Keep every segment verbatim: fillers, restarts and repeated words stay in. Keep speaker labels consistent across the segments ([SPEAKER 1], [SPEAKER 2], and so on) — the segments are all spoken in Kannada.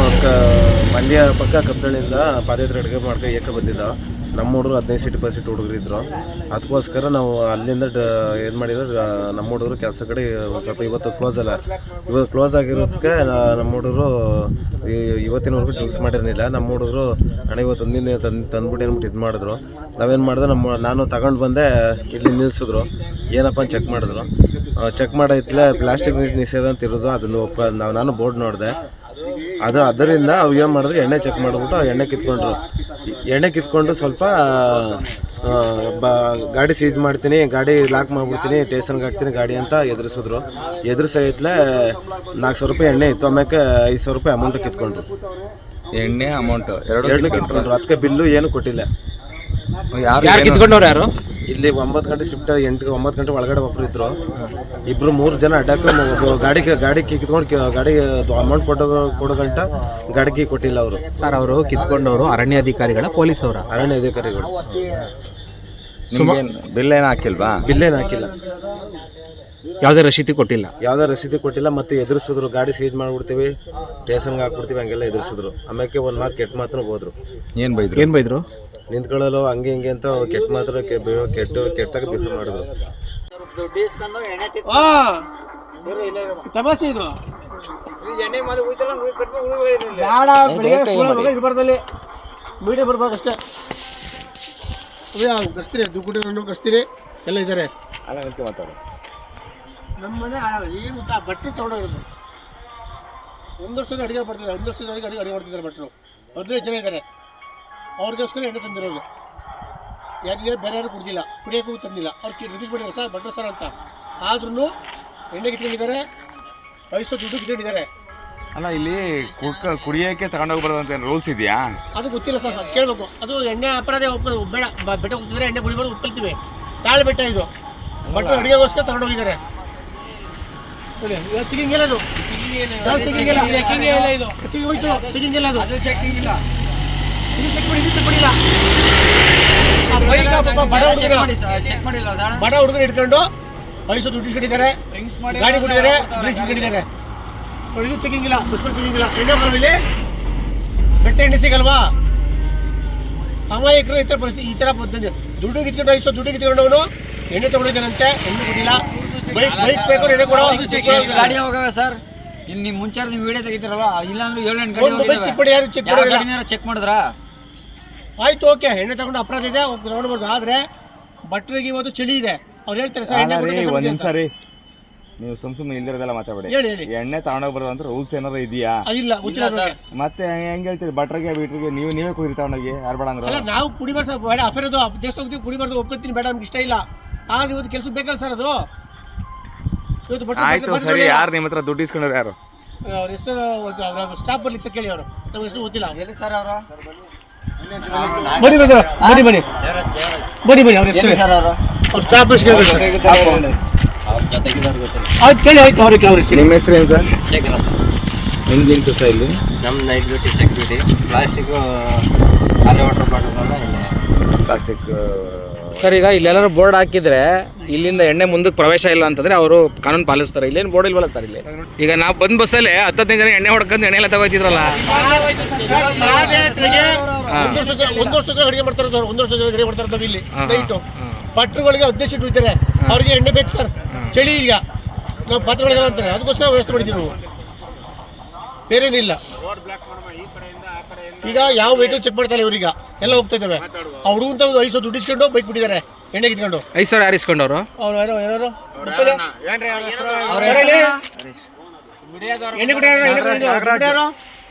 [SPEAKER 1] ಕ ಮಂಡ್ಯ ಪಕ್ಕ ಕಬ್ಬಳ್ಳಿಯಿಂದ ಪಾದಯಾತ್ರೆ ಅಡುಗೆ ಮಾಡ್ಕೊ ಏಕೆ ಬಂದಿದ್ದ. ನಮ್ಮ ಹುಡುಗರು ಹದಿನೈದು ಸೀಟ್ ಇಪ್ಪತ್ತು ಸೀಟ್ ಹುಡುಗರು ಇದ್ದರು. ಅದಕ್ಕೋಸ್ಕರ ನಾವು ಅಲ್ಲಿಂದ ಡ ಏನು ಮಾಡಿದ್ರು, ನಮ್ಮ ಹುಡುಗರು ಕೆಲಸ ಕಡೆ ಸ್ವಲ್ಪ ಇವತ್ತು ಕ್ಲೋಸ್ ಅಲ್ಲ, ಇವತ್ತು ಕ್ಲೋಸ್ ಆಗಿರೋದಕ್ಕೆ ನಮ್ಮ ಹುಡುಗರು ಇವತ್ತಿನವರೆಗೂ ಡ್ರಿಂಕ್ಸ್ ಮಾಡಿರಲಿಲ್ಲ. ನಮ್ಮ ಹುಡುಗರು ಹಣ ಇವತ್ತು ಒಂದಿನ ತಂದು ತಂದ್ಬಿಟ್ಟು ಏನ್ಬಿಟ್ಟು ಇದು ಮಾಡಿದ್ರು. ನಾವೇನು ಮಾಡಿದೆ, ನಮ್ಮ ನಾನು ತಗೊಂಡು ಬಂದೆ, ಇಲ್ಲಿ ನಿಲ್ಲಿಸಿದ್ರು. ಏನಪ್ಪ ಅಂತ ಚೆಕ್ ಮಾಡಿದ್ರು. ಚೆಕ್ ಮಾಡೈತ್ಲೆ ಪ್ಲಾಸ್ಟಿಕ್ ನಿಷೇಧ ಅಂತ ಇರೋದು, ಅದನ್ನು ಒಪ್ಪ ನಾವು ನಾನು ಬೋರ್ಡ್ ನೋಡಿದೆ. ಅದು ಅದರಿಂದ ಅವು ಏನು ಮಾಡಿದ್ರು, ಎಣ್ಣೆ ಚೆಕ್ ಮಾಡಿಬಿಟ್ಟು ಎಣ್ಣೆ ಕಿತ್ಕೊಂಡ್ರು. ಎಣ್ಣೆ ಕಿತ್ಕೊಂಡು ಸ್ವಲ್ಪ ಬ ಗಾಡಿ ಸೀಜ್ ಮಾಡ್ತೀನಿ, ಗಾಡಿ ಲಾಕ್ ಮಾಡಿಬಿಡ್ತೀನಿ, ಟೇಷನ್ಗೆ ಹಾಕ್ತೀನಿ ಗಾಡಿ ಅಂತ ಎದುರಿಸಿದ್ರು. ಎದುರಿಸೈತ್ಲೆ ನಾಲ್ಕು ಸಾವಿರ ರೂಪಾಯಿ ಎಣ್ಣೆ ಇತ್ತು. ಆಮೇಲೆ ಐದು ಸಾವಿರ ರೂಪಾಯಿ ಅಮೌಂಟ್ ಕಿತ್ಕೊಂಡ್ರು.
[SPEAKER 2] ಎಣ್ಣೆ ಅಮೌಂಟು ಎರಡು
[SPEAKER 1] ಎರಡು ಕಿತ್ಕೊಂಡ್ರು. ಅದಕ್ಕೆ ಬಿಲ್ಲು ಏನು ಕೊಟ್ಟಿಲ್ಲ.
[SPEAKER 2] ಯಾರು ಕಿತ್ಕೊಂಡವ್ರು ಯಾರು?
[SPEAKER 1] ಇಲ್ಲಿ ಒಂಬತ್ತು ಗಂಟೆ ಶಿಫ್ಟ್, ಎಂಟು ಒಂಬತ್ತು ಗಂಟೆ ಒಳಗಡೆ ಒಬ್ಬರು ಇದ್ರು. ಇಬ್ಬರು ಮೂರು ಜನ ಅಡ್ಡಕ್ಕೆ ಗಾಡಿ ಗಾಡಿ ಕಿತ್ಕೊಂಡು ಗಾಡಿ ಅಮೌಂಟ್ ಕೊಡೋ ಕೊಡೋ ಗಂಟ ಗಾಡಿಗೆ ಕೊಟ್ಟಿಲ್ಲ ಅವರು.
[SPEAKER 3] ಸರ್, ಅವರು ಕಿತ್ಕೊಂಡವರು ಅರಣ್ಯಾಧಿಕಾರಿಗಳ ಪೊಲೀಸ್ ಅವರ?
[SPEAKER 1] ಅರಣ್ಯ ಅಧಿಕಾರಿಗಳು.
[SPEAKER 2] ಬಿಲ್ ಏನು ಹಾಕಿಲ್ವಾ?
[SPEAKER 1] ಬಿಲ್ ಏನು ಹಾಕಿಲ್ಲ,
[SPEAKER 3] ಯಾವುದೇ ರಸೀದಿ ಕೊಟ್ಟಿಲ್ಲ.
[SPEAKER 1] ಯಾವುದೇ ರಸೀದಿ ಕೊಟ್ಟಿಲ್ಲ. ಮತ್ತೆ ಎದುರಿಸಿದ್ರು, ಗಾಡಿ ಸೀಜ್ ಮಾಡಿಬಿಡ್ತೀವಿ, ಟೇಷನ್ಗೆ ಹಾಕ್ಬಿಡ್ತೀವಿ, ಹಂಗೆಲ್ಲ ಎದುರಿಸಿದ್ರು. ಆಮೇಲೆ ಒಂದು ಮಾತು ಕೆಟ್ಟ ಮಾತ್ರ ಹೋದ್ರು.
[SPEAKER 3] ಏನು ಬೈದ್ರು? ಏನು ಬೈದ್ರು?
[SPEAKER 1] ನಿಂತ್ಕೊಳ್ಳಲು ಹಂಗೆ ಹಿಂಗೆ ಅಂತ ಕೆಟ್ಟ ಮಾತ್ರ ಕೆಟ್ಟು ಕೆಟ್ಟಾಗ ಬಿಟ್ಟು ಮಾಡಿದ್ರು.
[SPEAKER 4] ತಮಾಷೆ ಇದು. ಇರಬಾರ್ದಲ್ಲಿ ಮೀಡಿಯಾ ಬರ್ಬೇಕಷ್ಟೇ. ಕರ್ಸ್ತೀರಿ, ದುಡ್ಡು ಕರ್ಸ್ತೀರಿ, ಎಲ್ಲ ಇದ್ದಾರೆ.
[SPEAKER 1] ಮಾತಾಡೋ
[SPEAKER 4] ನಮ್ಮ ಮನೆ ಏನು ಗೊತ್ತಾ, ಬಟ್ಟೆ ತೊಗೊಂಡೋಗಿರೋದು. ಒಂದು ವರ್ಷದ ಅಡುಗೆ ಮಾಡ್ತಿದ್ದಾರೆ, ಒಂದು ವರ್ಷದ ಅಡುಗೆ ಅಡುಗೆ ಮಾಡ್ತಿದ್ದಾರೆ ಭಟ್ರು. ಹದಿನೈದು ಜನ ಇದ್ದಾರೆ. ಅವ್ರಿಗೋಸ್ಕರ ಎಣ್ಣೆ ತಂದಿರೋದು. ಯಾರಿಗೆ ಬೇರೆ ಯಾರು ಕುಡ್ದಿಲ್ಲ, ಕುಡಿಯೋಕ್ಕೂ ತಂದಿಲ್ಲ. ಅವ್ರು ರಿಕ್ವೆಸ್ಟ್ ಮಾಡಿದ್ದಾರೆ, ಸರ್ ಭಟ್ರು ಸರ್ ಅಂತ. ಆದ್ರೂ ಎಣ್ಣೆ ಕಿತ್ಕೊಂಡಿದ್ದಾರೆ, ವಯಸ್ಸು ದುಡ್ಡು ಕಿತ್ಕೊಂಡಿದ್ದಾರೆ.
[SPEAKER 2] ಅಲ್ಲ, ಇಲ್ಲಿ ಕುಡ್ಕ ಕುಡಿಯೋಕ್ಕೆ ತಗೊಂಡೋಗ್ಬಾರ್ದು ಅಂತ ರೂಲ್ಸ್ ಇದೆಯಾ?
[SPEAKER 4] ಅದು ಗೊತ್ತಿಲ್ಲ ಸರ್, ಕೇಳಬೇಕು. ಅದು ಎಣ್ಣೆ ಅಪರಾಧ ಒಪ್ಪ ಬೇಡ. ಬೆಟ್ಟ ಹೋಗ್ತಿದ್ರೆ ಎಣ್ಣೆ ಕುಡಿಬಾರ್ದು, ಒಪ್ಕೊಳ್ತೀವಿ. ತಾಳೆ ಬೆಟ್ಟ ಇದು. ಭಟ್ರು ಅಡುಗೆಗೋಸ್ಕರ ತಗೊಂಡೋಗಿದ್ದಾರೆ. ನೋಡಿ, ಚೆಕಿಂಗ್ ಇಲ್ಲ, ಅದು ಚೆಕಿಂಗ್ ಇಲ್ಲ, ಚೆಕಿಂಗ್ ಹೋಯ್ತು, ಚೆಕಿಂಗ್ ಇಲ್ಲ, ಅದು ಚೆಕಿಂಗ್ ಇಲ್ಲ. ಇದು ಚೆಕ್ ಮಾಡಿ, ಇದು ಚೆಕ್ ಮಾಡಿಲ್ಲ. ಬಡ ಹುಡುಗರು ಇಟ್ಕೊಂಡು ವಯಸ್ಸು ದುಡ್ಡು ಇಟ್ಕೊಂಡಿದ್ದಾರೆ, ಗಾಡಿ ಕೊಟ್ಟಿದ್ದಾರೆ, ಡ್ರಿಂಕ್ಸ್ ಇಟ್ಕೊಂಡಿದ್ದಾರೆ. ಇದು ಚೆಕಿಂಗ್ ಇಲ್ಲ, ಬಸ್ಗಳು ಚೆಕಿಂಗ್ ಇಲ್ಲ. ಎಣ್ಣೆ ಬರೋದಿಲ್ಲ, ಬೆಟ್ಟ ಎಣ್ಣೆ ಸಿಗಲ್ವಾ? ಅಮಾಯಕರು ಈ ಥರ ಪರಿಸ್ಥಿತಿ, ಈ ಥರ ಪದ್ಧತಿ. ದುಡ್ಡು ಕಿತ್ಕೊಂಡು ವಯಸ್ಸು ದುಡ್ಡು ಕಿತ್ಕೊಂಡವನು ಎಣ್ಣೆ ತಗೊಂಡಿದ್ದಾನಂತೆ, ಎಣ್ಣೆ ಕೊಟ್ಟಿಲ್ಲ. ಬೈಕ್ ಬೈಕ್ ಬೇಕು, ಎಣ್ಣೆ ಕೊಡೋ.
[SPEAKER 5] ಗಾಡಿ ಹೋಗವೆ ಸರ್, ಇಲ್ಲಿ ನೀವು ಮುಂಚೆ ನೀವು ವಿಡಿಯೋ ತೆಗಿತೀರಲ್ಲ, ಇಲ್ಲಾಂದ್ರೆ ಏಳು ಎಂಟು
[SPEAKER 4] ಗಾಡಿ ಚೆಕ್ ಮಾಡಿ, ಯಾರು ಚೆಕ್ ಮಾಡಿ
[SPEAKER 5] ಚೆಕ್ ಮಾಡಿದ್ರಾ?
[SPEAKER 4] ಆಯ್ತು, ಓಕೆ, ಎಣ್ಣೆ ತಗೊಂಡು ಅಪರಾಧ ಇದೆ, ತಗೊಂಡ್ಬಾರ್ದು. ಆದರೆ ಭಟ್ರಿಗೆ ಇವತ್ತು ಚಳಿ ಇದೆ, ಅವ್ರು ಹೇಳ್ತಾರೆ ಸರ್ ಎಣ್ಣೆ
[SPEAKER 2] ಒಂದ್ಸರಿ ನೀವು ಸುಮ್ ಸುಮ್ಮನೆ ಇಲ್ಲಿರೋದೆಲ್ಲ ಮಾತಾಡಬೇಡಿ.
[SPEAKER 4] ಹೇಳಿ ಹೇಳಿ.
[SPEAKER 2] ಎಣ್ಣೆ ತಗೊಂಡೋಗ್ಬಾರ್ದು ಅಂತ ರೂಲ್ಸ್ ಏನಾರು ಇದೆಯಾ?
[SPEAKER 4] ಇಲ್ಲ, ಗೊತ್ತಿಲ್ಲ ಸರ್.
[SPEAKER 2] ಮತ್ತೆ ಹೆಂಗ್ ಹೇಳ್ತೀರಿ? ಭಟ್ರಿಗೆ ಬೀಟ್ರಿಗೆ ನೀವು ನೀವೇ ಕುಡಿ ತಗೊಂಡೋಗಿ, ಯಾರು ಬೇಡ ಅಂದ್ರೆ?
[SPEAKER 4] ಅಲ್ಲ, ನಾವು ಕುಡಿಬಾರ್ದು ಸರ್, ಬೇಡ ಅಫೇರ್ ಅದು. ದೇಶ ಹೋಗ್ತೀವಿ, ಕುಡಿಬಾರ್ದು, ಒಪ್ಕೊತೀನಿ, ಬೇಡ ನಮ್ಗೆ ಇಷ್ಟ ಇಲ್ಲ. ಆದ್ರೆ ಇವತ್ತು ಕೆಲಸ ಬೇಕಲ್ಲ ಸರ್ ಅದು. ಇವತ್ತು
[SPEAKER 2] ಆಯ್ತು ಸರಿ, ಯಾರು ನಿಮ್ಮ ಹತ್ರ ದುಡ್ಡು ಇಸ್ಕೊಂಡ್ರು? ಯಾರು
[SPEAKER 4] ಅವ್ರ ಹೆಸರು? ಸ್ಟಾಫ್ ಬರ್ಲಿ ಸರ್, ಕೇಳಿ ಅವರು. ನಮ್ಗೆ ಹೆಸರು ಗೊತ್ತಿಲ್ಲ.
[SPEAKER 5] ಎಲ್ಲಿ ಸರ್ ಅವರು?
[SPEAKER 4] ಬನ್ನಿ ಬನ್ನಿ ಬನ್ನಿ ಬನ್ನಿ ಬನ್ನಿ ಬನ್ನಿ ಅವ್ರ ಹೆಸರು
[SPEAKER 5] ಸರ್ ಅವರು?
[SPEAKER 4] ಅವ್ರ ಸ್ಟಾಫ್ ಹೆಸರು
[SPEAKER 5] ಅವ್ರ ಜೊತೆಗಿದ್ದವ್ರು ಗೊತ್ತಿಲ್ಲ.
[SPEAKER 4] ಆಯ್ತು, ಕೇಳಿ. ಆಯ್ತು, ಅವ್ರಿಗೆ ಅವ್ರ ಹೆಸರು.
[SPEAKER 2] ನಿಮ್ಮ ಹೆಸರು ಏನು ಸರ್?
[SPEAKER 5] ಶೇಖರ್ ಅಂತ.
[SPEAKER 2] ನಿಮ್ದೇನು ಕೆಲಸ ಇಲ್ಲಿ?
[SPEAKER 5] ನಮ್ಮ ನೈಟ್ ಡ್ಯೂಟಿ ಸೆಕ್ಯೂರಿಟಿ. ಪ್ಲಾಸ್ಟಿಕ್ ಖಾಲಿ ವಾಟರ್ ಬಾಟಲ್ಗಳನ್ನ
[SPEAKER 2] ಪ್ಲಾಸ್ಟಿಕ್.
[SPEAKER 3] ಸರ್, ಈಗ ಇಲ್ಲೆಲ್ಲರೂ ಬೋರ್ಡ್ ಹಾಕಿದ್ರೆ ಇಲ್ಲಿಂದ ಎಣ್ಣೆ ಮುಂದಕ್ಕೆ ಪ್ರವೇಶ ಇಲ್ಲ ಅಂತಂದ್ರೆ ಅವರು ಕಾನೂನು ಪಾಲಿಸ್ತಾರೆ. ಇಲ್ಲೇನು ಬೋರ್ಡ್ ಇಲ್ವಲ್ಲ ಸರ್ ಇಲ್ಲಿ? ಈಗ ನಾವು ಬಂದ್ ಬಸ್ಸಲ್ಲಿ ಹತ್ತದೈದು ಜನ ಎಣ್ಣೆ ಹೊಡ್ಕೊಂಡು ಎಣ್ಣೆ ಎಲ್ಲ ತಗೋತಿದ್ರಲ್ಲ.
[SPEAKER 4] ಒಂದು ವರ್ಷ ಅಡುಗೆ ಮಾಡ್ತಾರೆ, ಒಂದು ವರ್ಷ ಅಡುಗೆ ಮಾಡ್ತಾರೆ ಇಲ್ಲಿ ನೈಟು. ಭಟ್ರುಗಳಿಗೆ ಹದಿನೈದು ಸೀಟ್ ಇರ್ತಾರೆ, ಅವ್ರಿಗೆ ಎಣ್ಣೆ ಬೇಕು ಸರ್. ಚಳಿ ಈಗ ನಾವು ಪಾತ್ರೆಗಳಿಗೆಲ್ಲ ಅಂತಾರೆ, ಅದಕ್ಕೋಸ್ಕರ ವ್ಯವಸ್ಥೆ ಮಾಡಿದ್ದೀವಿ ನಾವು, ಬೇರೇನಿಲ್ಲ. ಈಗ ಯಾವ ವೆಹಿಕಲ್ ಚೆಕ್ ಮಾಡ್ತಾರೆ ಇವ್ರೀಗ, ಎಲ್ಲ ಹೋಗ್ತಾ ಇದ್ದಾವೆ. ಅವ್ರು ಅಂತ ಒಂದು ಐದು ಸಾವಿರ ದುಡ್ಡು ಇಸ್ಕೊಂಡು ಬೈಕ್ ಬಿಟ್ಟಿದ್ದಾರೆ, ಎಣ್ಣೆ ಕಿತ್ಕೊಂಡು.
[SPEAKER 3] ಐದು ಸಾವಿರ ಯಾರು ಇಸ್ಕೊಂಡವ್ರು?
[SPEAKER 4] ಅವ್ರು ಯಾರೋ ಯಾರು ಎಣ್ಣೆ ಕುಡಿಯಾರೋ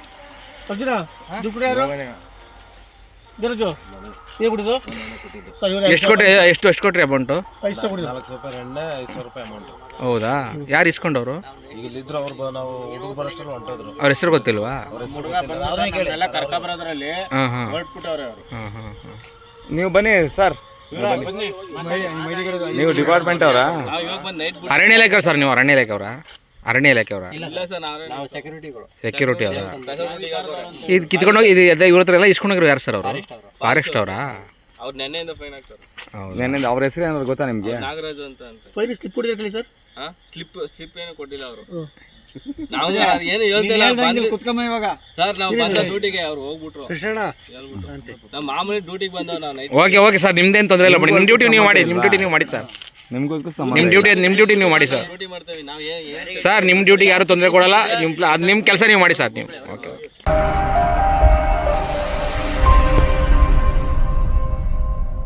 [SPEAKER 4] ಜರಜು ಏನು ಕುಡಿದು ಸರ್? ಇವ್ರು
[SPEAKER 3] ಎಷ್ಟು ಕೊಟ್ರಿ? ಎಷ್ಟು ಎಷ್ಟು ಕೊಟ್ರಿ ಅಮೌಂಟು?
[SPEAKER 4] ಐದು ಸಾವಿರ ಕುಡಿದು.
[SPEAKER 1] ನಾಲ್ಕು ಸಾವಿರ ರೂಪಾಯಿ ಎಣ್ಣೆ, ಐದು ಸಾವಿರ ರೂಪಾಯಿ ಅಮೌಂಟ್.
[SPEAKER 3] ಹೌದಾ? ಯಾರು ಇಸ್ಕೊಂಡವ್ರು?
[SPEAKER 1] ಈಗ ಇಲ್ಲಿದ್ರು ಅವ್ರು, ನಾವು ಹುಡುಗ ಬರೋಷ್ಟರಲ್ಲಿ ಹೊಂಟೋದ್ರು.
[SPEAKER 3] ಅವ್ರ ಹೆಸರು ಗೊತ್ತಿಲ್ವಾ?
[SPEAKER 1] ಅವ್ರ ಹೆಸರು
[SPEAKER 3] ಹಾಂ ಹಾಂ ಹಾಂ ಹಾಂ
[SPEAKER 2] ನೀವು ಬನ್ನಿ ಸರ್, ನೀವು ಡಿಪಾರ್ಟ್ಮೆಂಟ್ ಅವರಾ?
[SPEAKER 3] ಅರಣ್ಯ ಇಲಾಖೆ ಸರ್? ನೀವು ಅರಣ್ಯ ಇಲಾಖೆ ಅವರಾ? ಅರಣ್ಯ ಇಲಾಖೆ ಅವರಾ? ಸೆಕ್ಯೂರಿಟಿ ಅವರಾ? ಇದು ಕಿತ್ಕೊಂಡೋಗಿ ಇದು ಎಲ್ಲ ಇವ್ರ ಹತ್ರ ಎಲ್ಲ ಇಸ್ಕೊಂಡೋಗಿರೋ ಯಾರು ಸರ್ ಅವರು? ಫಾರೆಸ್ಟ್ ಅವರಾ?
[SPEAKER 5] ಅವ್ರು ನೆನ್ನೆಯಿಂದ ಫೈನ್ ಹಾಕ್ತಾರೆ.
[SPEAKER 2] ನೆನ್ನೆ ಅವ್ರ ಹೆಸರು ಏನಾದ್ರು ಗೊತ್ತಾ ನಿಮಗೆ?
[SPEAKER 5] ನಾಗರಾಜು ಅಂತ ಅಂತ.
[SPEAKER 4] ಫೈನ್ ಸ್ಲಿಪ್ ಕೊಟ್ಟಿದ್ದೀರಿ ಸರ್?
[SPEAKER 5] ಹಾಂ ಸ್ಲಿಪ್ ಸ್ಲಿಪ್ ಏನು ಕೊಟ್ಟಿಲ್ಲ ಅವರು. ನಾವು ಏನು ಹೇಳ್ತಿಲ್ಲ ಸರ್, ನಾವು ಬಂದ ಡ್ಯೂಟಿಗೆ ಅವ್ರು ಹೋಗ್ಬಿಟ್ರು ಹೇಳ್ಬಿಟ್ರು. ನಮ್ಮ ಮಾಮೂಲಿ ಡ್ಯೂಟಿಗೆ ಬಂದವ್ ನಾವು ನೈಟ್.
[SPEAKER 3] ಓಕೆ ಓಕೆ ಸರ್, ನಿಮ್ದೇನು ತೊಂದರೆ ಇಲ್ಲ ಬಿಡಿ. ನಿಮ್ಮ ಡ್ಯೂಟಿ ನೀವು ಮಾಡಿ, ನಿಮ್ಮ ಡ್ಯೂಟಿ ನೀವು ಮಾಡಿ ಸರ್.
[SPEAKER 2] ನಿಮ್ಗೂ
[SPEAKER 3] ನಿಮ್ಮ ಡ್ಯೂಟಿ ನಿಮ್ಮ ಡ್ಯೂಟಿ ನೀವು ಮಾಡಿ ಸರ್.
[SPEAKER 5] ಡ್ಯೂಟಿ ಮಾಡ್ತೇವೆ ನಾವು. ಏನು
[SPEAKER 3] ಸರ್ ನಿಮ್ಮ ಡ್ಯೂಟಿಗೆ ಯಾರು ತೊಂದರೆ ಕೊಡಲ್ಲ. ನಿಮ್ಮ ಅದು ನಿಮ್ಮ ಕೆಲಸ ನೀವು ಮಾಡಿ ಸರ್ ನೀವು. Okay okay